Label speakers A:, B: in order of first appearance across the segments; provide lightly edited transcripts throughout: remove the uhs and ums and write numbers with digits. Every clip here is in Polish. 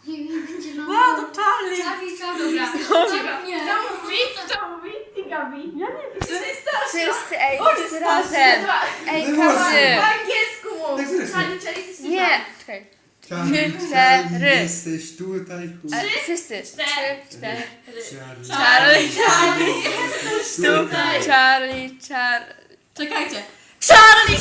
A: I będzie na...
B: No to Charlie.
C: Dobra.
A: Nie.
C: Kto mówi? Ty, Gabi.
B: Ja nie wiem.
D: Wszyscy, ej,
B: On
D: wszyscy
B: jest
D: razem. Ej, każdy.
C: Po angielsku mów.
E: Tak zresztą.
C: Charlie jesteś
D: Nie, czekaj.
E: Charlie,
D: Cztery.
E: jesteś tutaj.
D: Wszyscy. Trzy, cztery.
E: Charlie,
D: Charlie.
E: jesteś
D: Tu.
E: tutaj.
D: Charlie.
B: Czekajcie.
D: Charlie!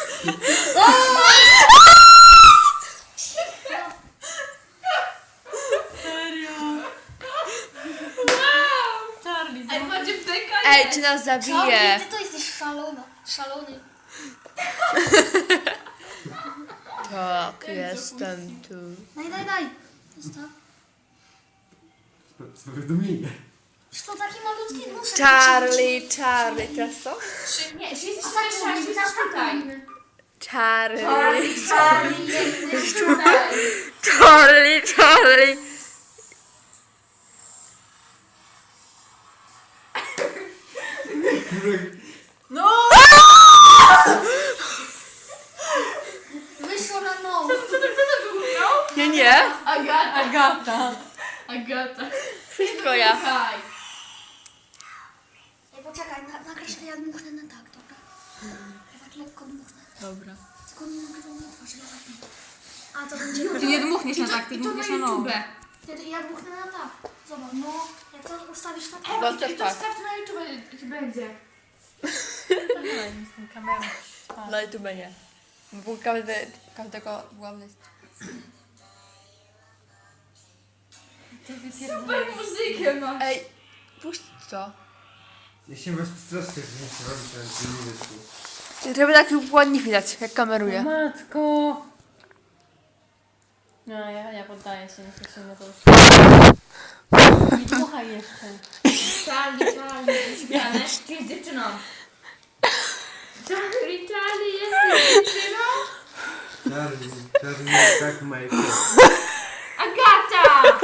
B: Serio. Charlie.
C: Ej, macie beka?
D: Ej, czy nas zabije?
A: Charlie, ty to jesteś szalona. Szalony.
D: Tak, jestem tu.
A: Daj. Zostaw.
E: Powiadomienie.
A: Już to taki malutki nóż.
D: Charlie. Teraz co?
C: Nie, czy jesteś
A: A tak
C: tutaj,
A: mówimy,
C: jesteś
A: tak
C: tutaj.
A: mówimy.
D: Charlie.
C: Charlie, jesteś tutaj.
D: Charlie.
B: No!
A: Wyszło na no.
C: Co to było?
D: Nie.
C: Agata.
D: Wszystko ja.
C: Słuchaj.
A: Ej, poczekaj, nakreślę, ja dmuchnę na tak, dobra? Ja tak lekko dmuchnę.
D: Dobra.
A: Tylko nie nagrywam na twarzy, ja tak nie. A, to będzie...
B: Ty nie dmuchniesz na tak, ty
C: I to na
B: dmuchniesz na no.
C: YouTube.
A: Ja dmuchnę na tak. Zobacz, no. Jak to ustawisz tak...
D: No
C: I
D: to
C: to
D: tak.
C: wstaw na YouTube, będzie.
D: No i tu będzie. Bo każdego główny.
C: Super muzykę masz.
D: Ej, puść to.
E: Ja się was strasznie, że nie się robi, ale nie wyszło.
D: Żeby tak ładnie widać, jak kameruje.
B: Matko. No, ja poddaję się, nie chcę na to już. Nie dmuchaj jeszcze.
C: Charlie, wyśmiane. Ty jest dziewczyną. Charlie, jesteś dziewczyną?
E: Charlie, tak Michael.
C: Agata!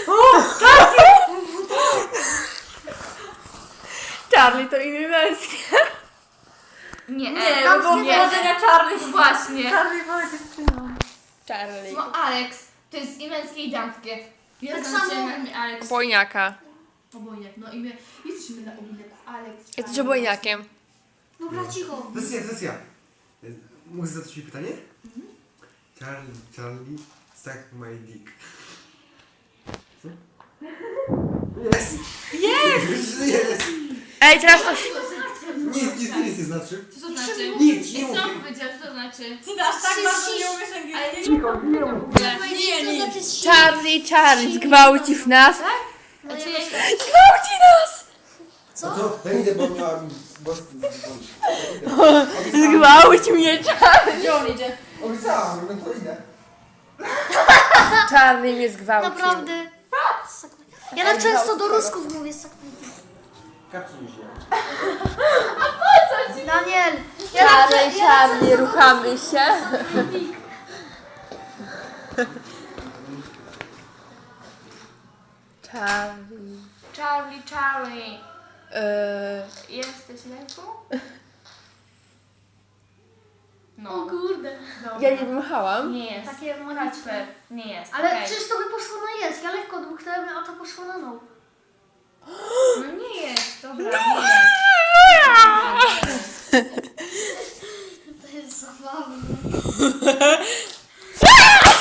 D: Charlie to imię męskie.
C: Nie,
B: no bo powodzenia Charlie.
C: Właśnie.
B: Charlie była dziewczyną.
D: Charlie.
C: No Alex, to jest i męskie i damskie. Ja
A: Tak
C: znam
A: samo-
C: cię na imię Alex.
D: Obojniaka.
C: Obojniak, no imię. Jesteśmy na obojniaku Alex.
D: Jesteś obojniakiem.
A: Dobra, cicho.
E: To jest ja. Mogę zadać mi pytanie? Charlie, suck my dick. Co? Jest! Jest!
D: Ej, teraz to...
E: Nic nie znaczy.
C: Co to znaczy?
E: Nic,
C: I
E: nie
C: co
E: mówię.
C: on powiedział, co to znaczy?
B: Ty aż tak bardzo nie umiesz
C: Ale
B: angielskiego.
C: nie w ogóle.
D: Charlie, zgwałcisz nas.
A: No
C: A co
A: ja
C: ja
D: Zgwałci nas!
A: Co?
E: To ja idę, bo miałam...
D: Zgwałć mnie, Charlie.
B: Gdzie on idzie?
E: Obiecałam, no to idę.
D: Charlie mnie zgwałcił.
A: Naprawdę. Ja tak często do Rusków mówię.
E: Kapcie mi się.
A: Daniel. Ja tak
D: Charlie, ruchamy się.
C: Charlie.
D: Yy,
C: Jesteś leku? No.
A: O kurde.
D: ja nie dmuchałam.
C: Nie jest.
A: Takie magiczne.
C: Kacper. Nie jest.
A: Ale
C: okej.
A: przecież to by poszło na jest. Ja lekko dmuchnąłem, a to poszło na no.
C: No nie jest. Dobra, nie jest.
A: To jest zabawne.